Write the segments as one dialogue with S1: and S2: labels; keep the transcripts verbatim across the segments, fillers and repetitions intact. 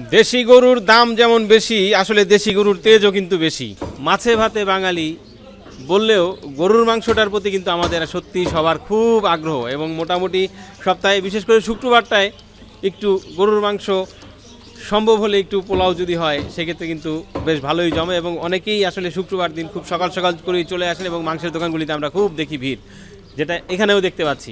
S1: দেশি গরুর দাম যেমন বেশি, আসলে দেশি গরুর তেজও কিন্তু বেশি। মাছে ভাতে বাঙালি বললেও গরুর মাংসটার প্রতি কিন্তু আমাদের সত্যি সবার খুব আগ্রহ, এবং মোটামুটি সপ্তাহে বিশেষ করে শুক্রবারটায় একটু গরুর মাংস সম্ভব হলে একটু পোলাও যদি হয় সেক্ষেত্রে কিন্তু বেশ ভালোই জমে, এবং অনেকেই আসলে শুক্রবার দিন খুব সকাল সকাল করেই চলে আসেন, এবং মাংসের দোকানগুলিতে আমরা খুব দেখি ভিড়, যেটা এখানেও দেখতে পাচ্ছি।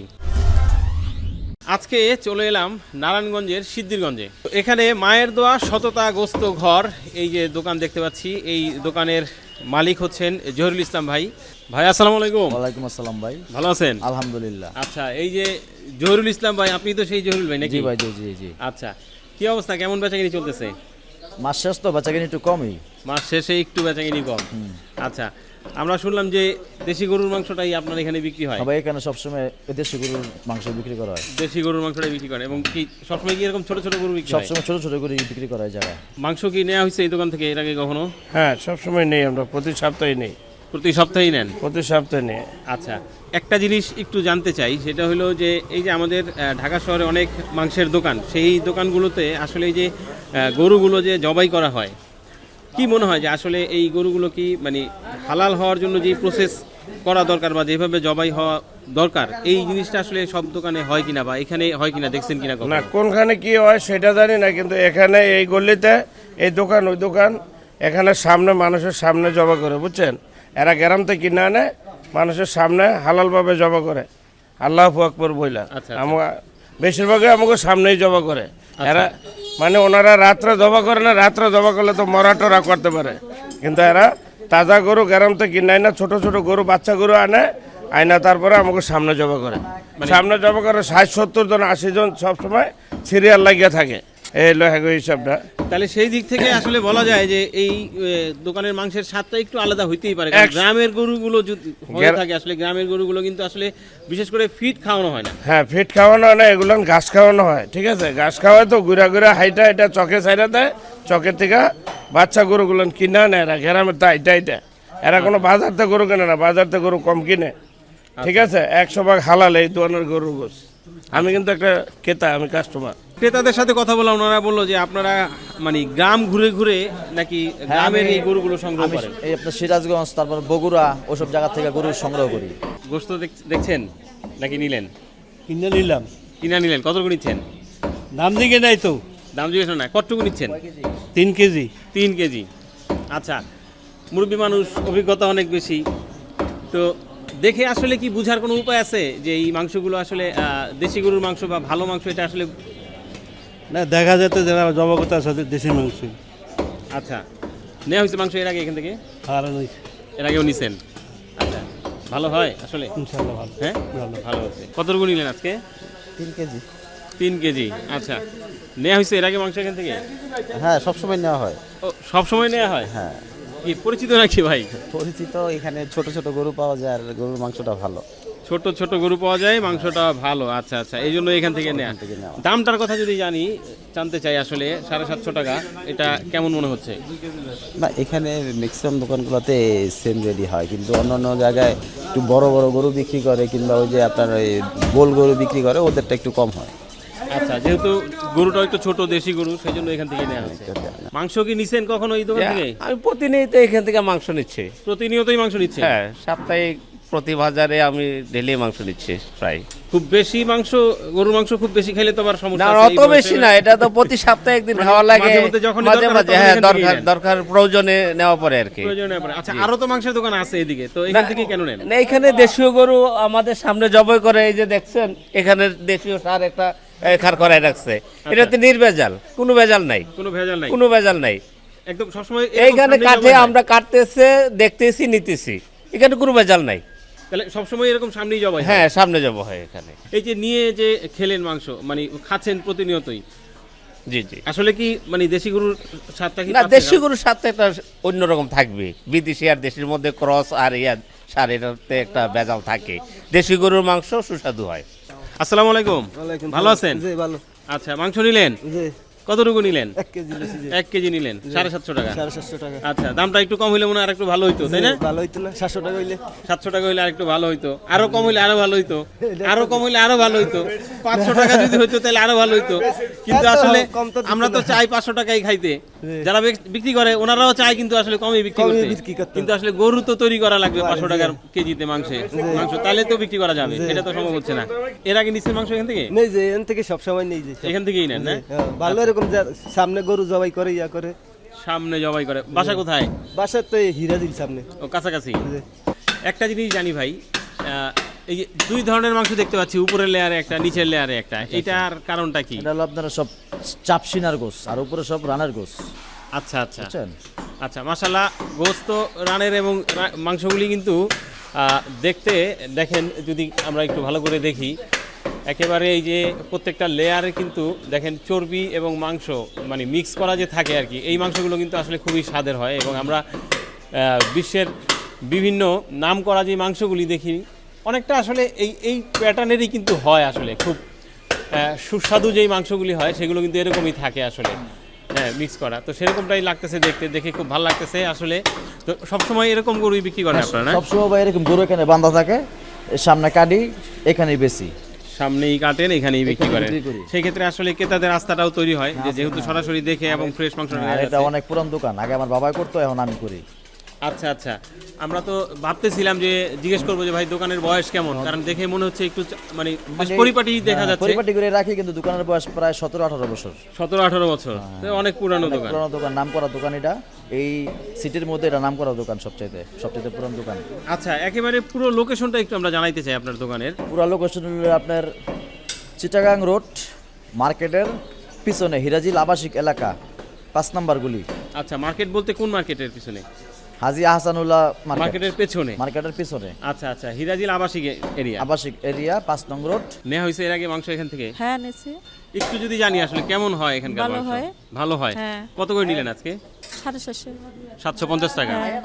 S1: আজকে চলে এলাম নারায়ণগঞ্জের সিদ্ধিরগঞ্জে। এখানে মায়ের দোয়া সততা গোস্ত ঘর, এই যে দোকান দেখতে পাচ্ছি, এই দোকানের মালিক হচ্ছেন জহিরুল ইসলাম ভাই। ভাই আসসালামু আলাইকুম।
S2: ওয়ালাইকুম আসসালাম ভাই,
S1: ভালো আছেন?
S2: আলহামদুলিল্লাহ।
S1: আচ্ছা, এই যে জহিরুল ইসলাম ভাই, আপনি তো সেই জহিরুল ভাই নাকি?
S2: জি ভাই, জি জি জি।
S1: আচ্ছা, কি অবস্থা, কেমন বেচাকিনি চলতেছে?
S2: মাস শেষ তো, বেচাকেনি একটু কমই।
S1: মাস শেষে একটু বেচাকিনি কম। আচ্ছা, আমরা শুনলাম যে দেশি গরুর মাংসটাই আপনার এখানে বিক্রি হয়।
S2: সবাই এখানে সবসময় দেশি গরুর মাংস বিক্রি করা হয়।
S1: দেশি গরুর মাংসটাই বিক্রি করে, এবং কি সবসময় কি এরকম ছোট ছোট গরু বিক্রি হয়?
S2: সবসময় ছোট ছোট করে বিক্রি করা হয় জায়গায়।
S1: মাংস কি নেওয়া হয়েছে এই দোকান থেকে এর আগে কখনো?
S3: হ্যাঁ, সবসময় নেই, আমরা প্রতি সপ্তাহে নেই।
S1: প্রতি সপ্তাহেই নেন?
S3: প্রতি সপ্তাহে নেই।
S1: আচ্ছা, একটা জিনিস একটু জানতে চাই, সেটা হলো যে এই যে আমাদের আহ, ঢাকা শহরে অনেক মাংসের দোকান, সেই দোকানগুলোতে আসলে এই যে আহ, গরুগুলো যে জবাই করা হয়, কি মনে হয় যে আসলে এই গরুগুলো কি মানে হালাল হওয়ার জন্য যে প্রসেস করা দরকার বা যেভাবে জবাই হওয়া দরকার, এই জিনিসটা আসলে সব দোকানে হয় কিনা বা এখানে হয় কিনা, দেখছেন কিনা কখনো?
S3: না, কোনখানে কি হয় সেটা জানি না, কিন্তু এখানে এই গলিতে এই দোকান ওই দোকান, এখানে সামনে মানুষের সামনে জবা করে, বুঝছেন? এরা গ্রাম থেকে কিনে আনে, মানুষের সামনে হালালভাবে জবা করে, আল্লাহু আকবার বইলা।
S1: আচ্ছা,
S3: আমরা বেশিরভাগই আমাকে সামনেই জবা করে এরা, মানে ওনারা রাত্রে জবা করে না, রাত্রে জবা করলে তো মরা টরা করতে পারে, কিন্তু এরা তাজা গরু গ্রাম থেকে কিনে আনে, ছোট ছোট গরু বাচ্চা গরু আনে, আয়না তারপরে আমাকে সামনে জবা করে। সামনে জবা করে ষাট সত্তর জন আশি জন সবসময় সিরিয়াল লাগিয়ে থাকে, এই হলো হ্যাগো হিসাবটা।
S1: তাহলে সেই দিক থেকে আসলে বলা যায় যে এই এ, দোকানের মাংসের স্বাদটা একটু আলাদা হইতেই পারে, কারণ
S3: এক-
S1: গ্রামের গরুগুলো যদি হয়ে
S3: গ্রা-
S1: থাকে, আসলে গ্রামের গরুগুলো কিন্তু আসলে বিশেষ করে ফিট খাওয়ানো হয় না।
S3: হ্যাঁ, ফিট খাওয়ানো হয় না, এগুলো ঘাস খাওয়ানো হয়, ঠিক আছে? ঘাস খাওয়ায় তো ঘুরা ঘুরা হাইটা এটা চকে সাইডা দেয়, চকের থেকে বাচ্চা গরুগুলো কিনে আনে এরা গ্রামের, তাই তাই দেয়। এরা কোনো বাজার থেকে গরু কেনে না, বাজার থেকে গরু কম কিনে, ঠিক আছে? একশো ভাগ হালাল এই ধরনের গরুর গোস। আমি কিন্তু একটা ক্রেতা, আমি কাস্টমার।
S1: ক্রেতাদের সাথে কথা বলা, ওনারা বললো যে আপনারা মানে গ্রাম ঘুরে ঘুরে নাকি গ্রামের এই গরুগুলো সংগ্রহ
S2: আমি
S1: করেন।
S2: এই আপনার সিরাজগঞ্জ, তারপর বগুড়া, ওসব জায়গা থেকে গরু সংগ্রহ করি।
S1: গোস্ত দেখ- দেখছেন নাকি নিলেন?
S4: কিনে নিলাম।
S1: কিনা নিলেন? কতটুকু নিচ্ছেন?
S4: দাম দিকে নাই তো।
S1: দাম জিজ্ঞেস না, কতটুকু নিচ্ছেন?
S4: তিন কেজি।
S1: তিন কেজি। আচ্ছা, মুরব্বী মানুষ, অভিজ্ঞতা অনেক বেশি, তো দেখে আসলে কি বুঝার কোনো উপায় আছে যে এই মাংসগুলো আসলে আহ, দেশি গরুর মাংস বা ভালো মাংস, এটা আসলে?
S4: না, দেখা যেত যারা জবাগতা আছে দেশি মাংস।
S1: আচ্ছা, নেওয়া হয়েছে মাংস এর আগে এখান থেকে?
S4: আর
S1: এর আগেও নিছেন? আচ্ছা, ভালো হয় আসলে?
S4: ইনশাল্লাহ ভালো।
S1: হ্যাঁ,
S4: ভালো।
S1: ভালো হচ্ছে। কতটুকু নিলেন আজকে?
S2: তিন কেজি।
S1: তিন কেজি। আচ্ছা, নেওয়া হয়েছে এর আগে মাংস এখান থেকে?
S2: হ্যাঁ, সবসময় নেওয়া হয়।
S1: ও, সব সময় নেওয়া হয়?
S2: হ্যাঁ,
S1: কি পরিচিত নাকি ভাই?
S2: পরিচিত। এখানে ছোট ছোট গরু পাওয়া যায় আর গরুর মাংসটা ভালো।
S1: ছোট ছোট গরু পাওয়া যায়, মাংসটা ভালো। আচ্ছা আচ্ছা, এই জন্য এখান থেকে নেওয়া।
S2: থেকে নেওয়া।
S1: দামটার কথা যদি জানি, জানতে চাই আসলে, সাড়ে সাতশো টাকা, এটা কেমন মনে হচ্ছে?
S5: না, এখানে ম্যাক্সিমাম দোকানগুলোতে সেম রেডি হয়, কিন্তু অন্য অন্য জায়গায় একটু বড় বড় গরু বিক্রি করে, কিংবা ওই যে আপনার ওই গোল গরু বিক্রি করে, ওদেরটা একটু কম হয়।
S1: আচ্ছা, যেহেতু গরুটা একটু ছোট দেশি গরু, সেই জন্য এখান থেকে নেওয়া হচ্ছে। মাংস কি নিছেন কখনো এই দোকান থেকে?
S6: আমি প্রতিনিয়ত এখান থেকে মাংস নিচ্ছি।
S1: প্রতিনিয়তই মাংস নিচ্ছে?
S6: হ্যাঁ, সাপ্তাহিক প্রতি বাজারে আমি ডেলি মাংস নিচ্ছি প্রায়।
S1: খুব বেশি মাংস, গরুর মাংস খুব বেশি খাইলে তো আবার
S6: না,
S1: সমস্যা আছে। এই
S6: অত
S1: বয়সে-
S6: বেশি না, এটা তো প্রতি সপ্তাহে একদিন
S1: মানে
S6: খাওয়া লাগে,
S1: মাঝে মধ্যে যখনই
S6: মাঝে
S1: দরকার
S6: মাঝে,
S1: তখন
S6: হ্যাঁ,
S1: এখান থেকেই
S6: দরকার
S1: নেন।
S6: দরকার প্রয়োজনে নেওয়া পড়ে আর কি।
S1: প্রয়োজনে পড়ে। আচ্ছা, আরো তো মাংসের দোকান আছে এদিকে, তো এখান থেকে কেন নেন?
S6: না, এখানে দেশীয় গরু আমাদের সামনে জবাই করে, এই যে দেখছেন এখানে দেশীয় সার একটা খার করায় রাখছে, এটাতে নির্ভেজাল, কোনো ভেজাল নাই,
S1: কোনো ভেজাল নাই?
S6: কোনো ভেজাল নাই।
S1: একদম সবসময় এরকম
S6: এইখানে
S1: সামনে
S6: কাঠে
S1: জবাই হয়?
S6: আমরা কাটতেছে, দেখতেছি, নিতেছি, এখানে কোনো ভেজাল নাই।
S1: তাহলে সবসময় এরকম সামনেই জবাই হয়?
S6: হ্যাঁ, সামনে যাব হয় এখানে।
S1: এই যে নিয়ে যে খেলেন মাংস, মানে খাচ্ছেন প্রতিনিয়তই,
S6: জি জি।
S1: আসলে কি মানে দেশি গরুর স্বাদটা কি
S6: না,
S1: পাচ্ছেন?
S6: দেশি গরুর সাথে একটা অন্যরকম থাকবে, বিদেশি আর দেশির মধ্যে ক্রস আর ইয়া সার, এটাতে একটা ভেজাল থাকে। দেশি গরুর মাংস সুস্বাদু হয়।
S1: আসসালামু আলাইকুম, ভালো আছেন?
S7: জি ভালো।
S1: আচ্ছা, মাংস নিলেন?
S7: জি।
S1: কতটুকু নিলেন?
S4: এক কেজি লেছি যে
S1: এক কেজি নিলেন সাড়ে সাতশো টাকা।
S4: সাড়ে সাতশো টাকা।
S1: আচ্ছা, দামটা একটু কম হইলে মনে হয় আর একটু ভালো হইতো, তাই না?
S4: ভালো হইতো না? সাতশো টাকা হইলে
S1: সাতশো টাকা হইলে আর একটু ভালো হইতো, আরো কম হইলে আরো ভালো হইতো, আরো কম হইলে আরো ভালো হইতো, পাঁচশো টাকা যদি হইতো তাহলে আরো ভালো হইতো। কিন্তু
S4: এত
S1: আসলে
S4: কম তো দিত
S1: আমরা তো চাই পাঁচশো টাকাই খাইতে, যারা বিক- বিক্রি করে ওনারাও চায় কিন্তু আসলে কমই বিক্রি
S4: কমই
S1: করতে।
S4: বিক্রি করতে।
S1: কিন্তু আসলে গরু তো তৈরি করা লাগবে পাঁচশো টাকার কেজিতে মাংসে মাংস, তাহলে তো বিক্রি করা যাবে, এটা তো সম্ভব হচ্ছে না। এর আগে নিচ্ছেন মাংস এখান থেকে?
S4: নেই যে এখান থেকে সবসময় নেই যে সব।
S1: এখান থেকেই নেন না?
S4: হ্যাঁ, ভালো এরকম যা- সামনে গরু জবাই করে ইয়া করে।
S1: সামনে জবাই করে। বাসা কোথায়?
S4: বাসার তো এই হীরা দিল সামনে।
S1: ও কাছাকাছি। একটা জিনিস জানি ভাই, আহ, এই যে দুই ধরনের মাংস দেখতে পাচ্ছি, উপরের লেয়ারে একটা, নিচের লেয়ারে একটা, এটার কারণটা কি?
S2: এটা হলো আপনারা সব চাপসিনার গোস আর উপরে সব রানার গোস,
S1: আচ্ছা আচ্ছা
S2: বুঝছেন?
S1: আচ্ছা, মাশাল্লাহ, গোস্ত রানের এবং রা- মাংসগুলি কিন্তু আহ, দেখতে দেখেন, যদি আমরা একটু ভালো করে দেখি, একেবারে এই যে প্রত্যেকটা লেয়ারে কিন্তু দেখেন চর্বি এবং মাংস মানে মিক্স করা যে থাকে আর কি, এই মাংসগুলো কিন্তু আসলে খুবই স্বাদের হয়। এবং আমরা আহ, বিশ্বের বিভিন্ন নাম করা যে মাংসগুলি দেখি, অনেকটা আসলে এই এই প্যাটার্নেরই কিন্তু হয় আসলে, খুব আহ, সুস্বাদু যেই মাংসগুলি হয় সেগুলো কিন্তু এরকমই থাকে আসলে, হ্যাঁ, মিক্স করা। তো সেরকমটাই লাগতেছে দেখতে, দেখে খুব ভালো লাগতেছে আসলে। তো সবসময় এরকম গরুই বিক্রি করেন আপনারা না?
S2: সবসময় ভাই এরকম গরু এখানে বাঁধা থাকে, এর সামনে কাটি, এখানেই বেশি।
S1: সামনেই কাটেন, এখানেই বিক্রি
S2: এখানেই
S1: করেন।
S2: বিক্রি করি।
S1: সেই ক্ষেত্রে আসলে ক্রেতাদের রাস্তাটাও তৈরি হয়, যে যেহেতু সরাসরি দেখে এবং ফ্রেশ মাংস
S2: আর
S1: নেওয়া
S2: এটা
S1: যাচ্ছে।
S2: অনেক পুরান দোকান, আগে আমার বাবাই করতো, এখন আমি করি।
S1: আচ্ছা আচ্ছা, আমরা তো ভাবতেছিলাম যে জিজ্ঞেস করবো যে ভাই দোকানের বয়স কেমন, কারণ দেখে মনে হচ্ছে একটু চা- মানে বেশ পরিপাটি দেখা
S2: হ্যাঁ,
S1: যাচ্ছে।
S2: পরিপাটি করে রাখি, কিন্তু দোকানের বয়স প্রায় সতেরো আঠারো বছর।
S1: সতেরো আঠারো বছর, তো অনেক পুরানো
S2: অনেক
S1: দোকান।
S2: পুরানো দোকান, নাম করা দোকান এটা। এই সিটির মধ্যে এটা নাম করা দোকান, সবচাইতে সবচাইতে পুরানো দোকান।
S1: আচ্ছা, একেবারে পুরো লোকেশনটা একটু আমরা জানাইতে চাই আপনার দোকানের।
S2: পুরা লোকেশন হলো আপনার চিটাগাং রোড মার্কেটের পিছনে হিরাজিল আবাসিক এলাকা, পাঁচ নাম্বার গুলি।
S1: আচ্ছা, মার্কেট বলতে কোন মার্কেটের পিছনে?
S2: হাজি আহসানুল্লাহ মার্কেট,
S1: মার্কেটের পেছনে।
S2: মার্কেটের পিছনে
S1: আচ্ছা আচ্ছা, হিরাজিল আবাসিক এরিয়া।
S2: আবাসিক এরিয়া, পাঁচ নং রোড।
S1: নেওয়া হয়েছে এর আগে মাংস এখান থেকে?
S7: হ্যাঁ নিছি।
S1: একটু যদি জানি আসলে কেমন হয় এখানকার
S7: ভালো
S1: মাংস?
S7: হয়।
S1: ভালো হয়।
S7: হ্যাঁ।
S1: কত করে নিলেন আজকে?
S7: সাড়ে চারশো।
S1: সাতশো পঞ্চাশ টাকা।
S7: হ্যাঁ।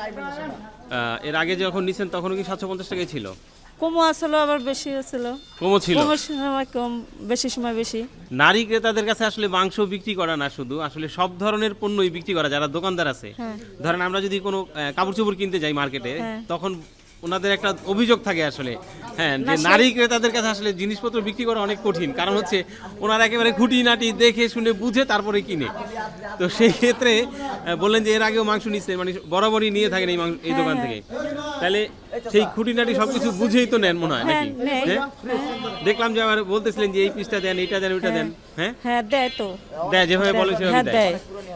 S1: আহ, এর আগে যখন নিছেন তখনও কি সাতশো পঞ্চাশ টাকাই ছিল?
S7: কমও আসলো, আবার বেশি আসছিল।
S1: কমও ছিল।
S7: কমের সময় কম, বেশি সময় বেশি।
S1: নারী ক্রেতাদের কাছে আসলে মাংস বিক্রি করা না শুধু, আসলে সব ধরনের পণ্যই বিক্রি করা, যারা দোকানদার আছে।
S7: হ্যাঁ।
S1: ধরেন আমরা যদি কোনো আহ, কাপড় চোপড় কিনতে যাই মার্কেটে,
S7: হ্যাঁ।
S1: তখন ওনাদের একটা অভিযোগ থাকে আসলে, হ্যাঁ, যে
S7: না, সে-
S1: নারী ক্রেতাদের কাছে আসলে জিনিসপত্র বিক্রি করা অনেক কঠিন, কারণ হচ্ছে ওনারা একেবারে খুঁটিনাটি দেখে শুনে বুঝে তারপরে কিনে। তো সেই ক্ষেত্রে আহ, বললেন যে এর আগেও মাংস নিচ্ছে, মানে বরাবরই নিয়ে থাকেন এই মাংস এই দোকান থেকে, তাহলে সেই খুঁটিনাটি সবকিছু বুঝেই তো নেন মনে হয়
S7: হ্যাঁ,
S1: নাকি?
S7: নেই।
S1: হ্যাঁ? দেখলাম যে আবার বলতেছিলেন যে এই পিসটা দেন, এইটা দেন, ওইটা দেন, হ্যাঁ,
S7: হ্যাঁ দেয় তো।
S1: দেয় যেভাবে বলে
S7: হ্যাঁ
S1: সেভাবে দেয়।
S7: দেয়।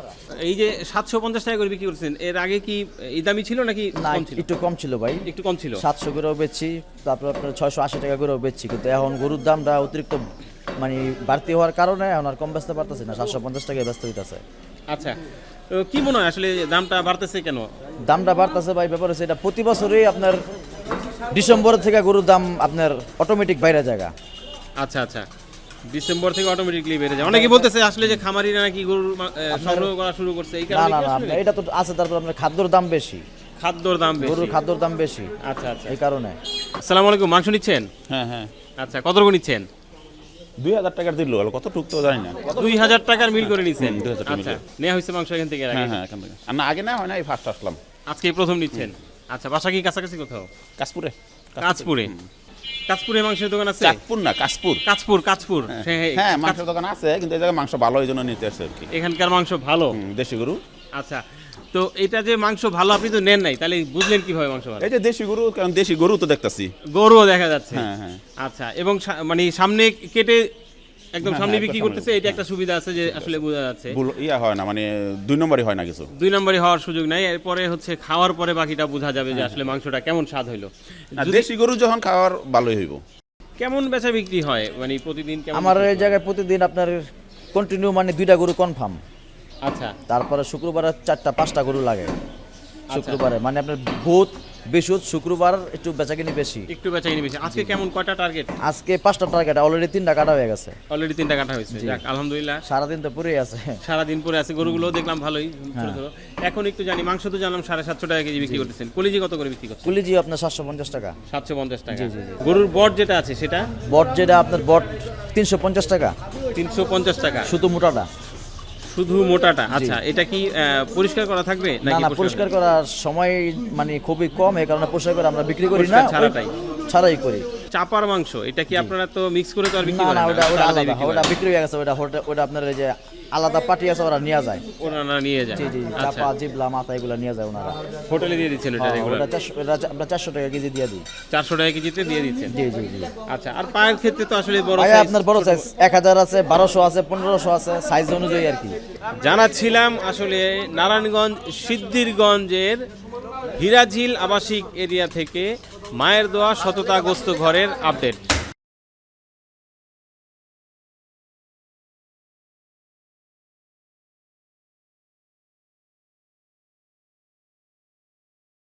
S1: এই যে সাতশো পঞ্চাশ টাকা করে বিক্রি করছেন, এর আগে কি এই দামি ছিল নাকি
S2: না,
S1: কম ছিল?
S2: একটু কম ছিল ভাই,
S1: একটু কম ছিল।
S2: সাতশো করেও বেচছি, তারপর আপনার ছয়শো আশি টাকা করেও বেচছি। কিন্তু এখন গরুর দামটা অতিরিক্ত মানে বাড়তি হওয়ার কারণে এখন আর কম বেচতে পারতেছি না, সাতশো পঞ্চাশ টাকায় ব্যস্ত হইতেছে।
S1: আচ্ছা, তো কি মনে হয় আসলে দামটা বাড়তেছে কেন?
S2: দামটা বাড়তেছে ভাই, ব্যাপার হচ্ছে এটা প্রতি বছরই আপনার ডিসেম্বর থেকে গরুর দাম আপনার অটোমেটিক বাইরে জায়গা।
S1: আচ্ছা আচ্ছা, ডিসেম্বর থেকে অটোমেটিকলি বেড়ে যায়। অনেকে বলতেছে আসলে যে খামারিরা নাকি গরুর মা- আহ, সংগ্রহ করা শুরু করছে, এই
S2: না
S1: কারণে
S2: না
S1: কি
S2: না,
S1: আসলে?
S2: আপনার এটা তো আছে, তারপর আপনার খাদ্যর দাম বেশি,
S1: খাদ্যর দাম বেশি।
S2: গরুর খাদ্যর দাম বেশি,
S1: আচ্ছা আচ্ছা,
S2: এই কারণে।
S1: আসসালামু আলাইকুম, মাংস নিচ্ছেন?
S8: হ্যাঁ হ্যাঁ
S1: আচ্ছা, কত করে নিচ্ছেন?
S8: দুই হাজার টাকার দিল কত টুক তো জানি না।
S1: দুই হাজার টাকার মিল করে নিচ্ছেন?
S8: হুম, দুই হাজার টাকা
S1: আচ্ছা,
S8: মিল।
S1: নেওয়া হয়েছে মাংস এখান থেকে এর আগে?
S8: হ্যাঁ হ্যাঁ এখান থেকে আর না, আগে না হয় না, এই ফার্স্ট আসলাম
S1: আজকে এই প্রথম নিচ্ছেন? আচ্ছা, বাসা কি কাছাকাছি কোথাও?
S8: কাশপুরে।
S1: কাঁচপুরে। কাঁচপুরে মাংসের দোকান আছে?
S8: চাঁদপুর না, কাশপুর।
S1: কাঁচপুর, কাঁচপুর। হ্যাঁ,
S8: হ্যাঁ মাংসের দোকান আছে, কিন্তু এই জায়গায় মাংস ভালো, এই জন্য নিতে আসছে আর কি।
S1: এখানকার মাংস ভালো।
S8: হুম, দেশি গরু।
S1: আচ্ছা, তো এটা যে মাংস ভালো আপনি তো নেন নাই, তাহলে বুঝলেন কিভাবে মাংস ভালো?
S8: এই যে দেশি গরু, কারণ দেশি গরু তো দেখতাছি।
S1: গরুও দেখা যাচ্ছে।
S8: হ্যাঁ হ্যাঁ
S1: আচ্ছা, এবং সা- মানে সামনে কেটে একদম
S8: হ্যাঁ,
S1: সামনে
S8: হ্যাঁ,
S1: বিক্রি
S8: একদম
S1: করতেছে,
S8: সামনে।
S1: এটা একটা সুবিধা আছে যে আসলে বোঝা যাচ্ছে।
S8: ভুল ইয়া হয় না, মানে দুই নম্বরই হয় না কিছু।
S1: দুই নম্বরই হওয়ার সুযোগ নাই, এরপরে হচ্ছে খাওয়ার পরে বাকিটা বোঝা যাবে যে আসলে মাংসটা কেমন স্বাদ হইলো।
S8: না,
S1: যদি-
S8: দেশি গরু যখন খাওয়ার ভালোই হইব।
S1: কেমন বেচা বিক্রি হয় মানে প্রতিদিন কেমন
S2: আমার
S1: বিক্রি
S2: এই
S1: হয়?
S2: জায়গায় প্রতিদিন আপনার কন্টিনিউ মানে দুইটা গরু কনফার্ম,
S1: আচ্ছা
S2: তারপরে শুক্রবারে চারটা পাঁচটা গরু লাগে শুক্রবারে, মানে আপনার বুধ বৃহস্পতি শুক্রবার একটু বেচাকিনি বেশি।
S1: একটু বেচা কিনি বেশি। আজকে কেমন, কয়টা টার্গেট?
S2: আজকে পাঁচটা টার্গেট, অলরেডি তিনটা কাটা হয়ে গেছে,
S1: অলরেডি তিনটা কাটা হয়েছে, যাক আলহামদুলিল্লাহ।
S2: সারাদিন তো পুরেই আছে।
S1: সারাদিন পরে আছে, গরুগুলো দেখলাম ভালোই ছোট
S2: হ্যাঁ।
S1: ছোট। এখন একটু জানি, মাংস তো জানলাম সাড়ে সাতশো টাকা কেজি বিক্রি করতেছেন, কলিজি কত করে বিক্রি করছেন?
S2: কুলিজি আপনার সাতশো পঞ্চাশ টাকা,
S1: সাতশো পঞ্চাশ টাকা। গরুর বট যেটা আছে সেটা
S2: বট যেটা আপনার বট তিনশো পঞ্চাশ টাকা,
S1: তিনশো পঞ্চাশ টাকা।
S2: শুধু মোটাটা।
S1: শুধু মোটাটা আচ্ছা এটা কি আহ, পরিষ্কার করা থাকবে
S2: না
S1: নাকি
S2: না পরিষ্কার করার সময় মানে খুবই কম, এই কারণে পরিষ্কার করে আমরা বিক্রি করি না,
S1: পরিষ্কার ছাড়াটাই?
S2: ওই- ছাড়াই করি।
S1: চাপার মাংস এটা কি আপনারা তো মিক্স করে তো আর বিক্রি
S2: না
S1: করেন
S2: না
S1: না
S2: ওটা ওটা
S1: আলাদাই
S2: আলাদা,
S1: বিক্রি
S2: ওটা
S1: করেন?
S2: বিক্রি হয়ে গেছে, ওটা ওটা- ওটা আপনার এই যে আলাদা পার্টি আছে ওরা নিয়ে যায়।
S1: ওনারা নিয়ে যায়
S2: জি জি
S1: আচ্ছা
S2: চাপা জিবলা মাথা এগুলো নিয়ে যায় ওনারা।
S1: হোটেলে দিয়ে দিচ্ছেন এটা
S2: হ্যাঁ,
S1: রেগুলার
S2: ওটা চারশো ওটা চা- আমরা চারশো টাকা কেজি দিয়ে দিই।
S1: চারশো টাকা কেজিতে দিয়ে দিচ্ছেন
S2: জি জি জি
S1: আচ্ছা আর পায়ের ক্ষেত্রে তো আসলে বড়
S2: ভাইয়া
S1: size
S2: আপনার বড় সাইজ এক হাজার আছে, বারোশো আছে, পনেরোশো আছে, সাইজ অনুযায়ী আর কি।
S1: জানাচ্ছিলাম আসলে নারায়ণগঞ্জ সিদ্ধিরগঞ্জের হীরাঝিল আবাসিক এরিয়া থেকে মায়ের দোয়া সততা গোস্ত ঘরের আপডেট।